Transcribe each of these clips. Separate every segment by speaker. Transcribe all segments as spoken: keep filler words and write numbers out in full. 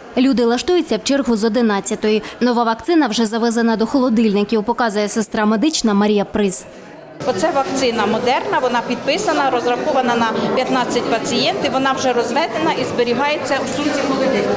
Speaker 1: Люди лаштуються в чергу з одинадцятої. Нова вакцина вже завезена до холодильників, показує сестра медична Марія Приз.
Speaker 2: Оце вакцина модерна, вона підписана, розрахована на п'ятнадцять пацієнтів, вона вже розведена і зберігається у сумці холодильника.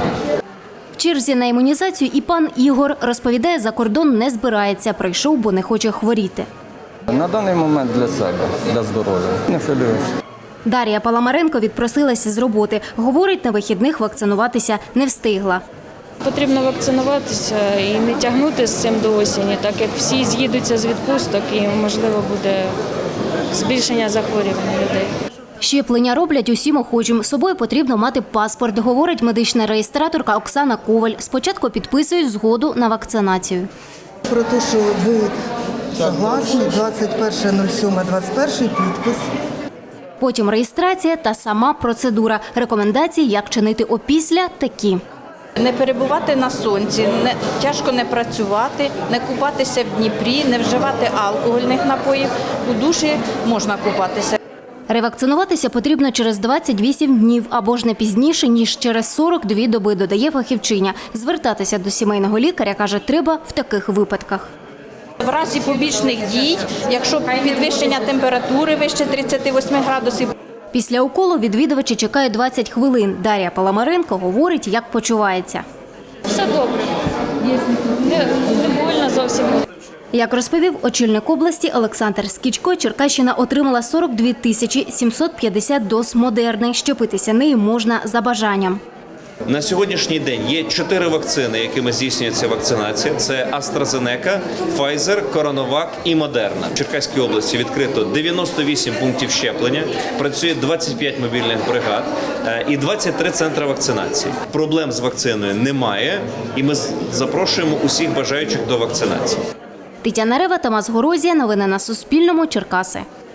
Speaker 1: В черзі на імунізацію і пан Ігор розповідає, за кордон не збирається, прийшов, бо не хоче хворіти.
Speaker 3: На даний момент для себе, для здоров'я. Не хвилююся.
Speaker 1: Дар'я Паламаренко відпросилася з роботи. Говорить, на вихідних вакцинуватися не встигла.
Speaker 4: Потрібно вакцинуватися і не тягнути з цим до осені, так як всі з'їдуться з відпусток і, можливо, буде збільшення захворювань людей.
Speaker 1: Щеплення роблять усім охочим. З собою потрібно мати паспорт, говорить медична реєстраторка Оксана Коваль. Спочатку підписують згоду на вакцинацію.
Speaker 5: Про те, що ви согласні, двадцять перше нуль сьоме двадцять перший підпис.
Speaker 1: Потім реєстрація та сама процедура. Рекомендації, як чинити опісля, такі.
Speaker 2: Не перебувати на сонці, не, тяжко не працювати, не купатися в Дніпрі, не вживати алкогольних напоїв. У душі можна купатися.
Speaker 1: Ревакцинуватися потрібно через двадцять вісім днів або ж не пізніше, ніж через сорок дві доби, додає фахівчиня. Звертатися до сімейного лікаря, каже, треба в таких випадках.
Speaker 2: В разі побічних дій, якщо підвищення температури вище тридцяти восьми градусів.
Speaker 1: Після уколу відвідувачі чекають двадцять хвилин. Дар'я Паламаренко говорить, як почувається.
Speaker 4: Все добре. Не, не больно зовсім.
Speaker 1: Як розповів очільник області Олександр Скічко, Черкащина отримала сорок дві тисячі сімсот п'ятдесят доз Модерни. Щепитися нею можна за бажанням.
Speaker 6: На сьогоднішній день є чотири вакцини, якими здійснюється вакцинація. Це AstraZeneca, Pfizer, CoronaVac і Moderna. В Черкаській області відкрито дев'яносто вісім пунктів щеплення, працює двадцять п'ять мобільних бригад і двадцять три центри вакцинації. Проблем з вакциною немає, і ми запрошуємо усіх бажаючих до вакцинації.
Speaker 1: Тетяна Рева, Тамас Горозія. Новини на Суспільному. Черкаси.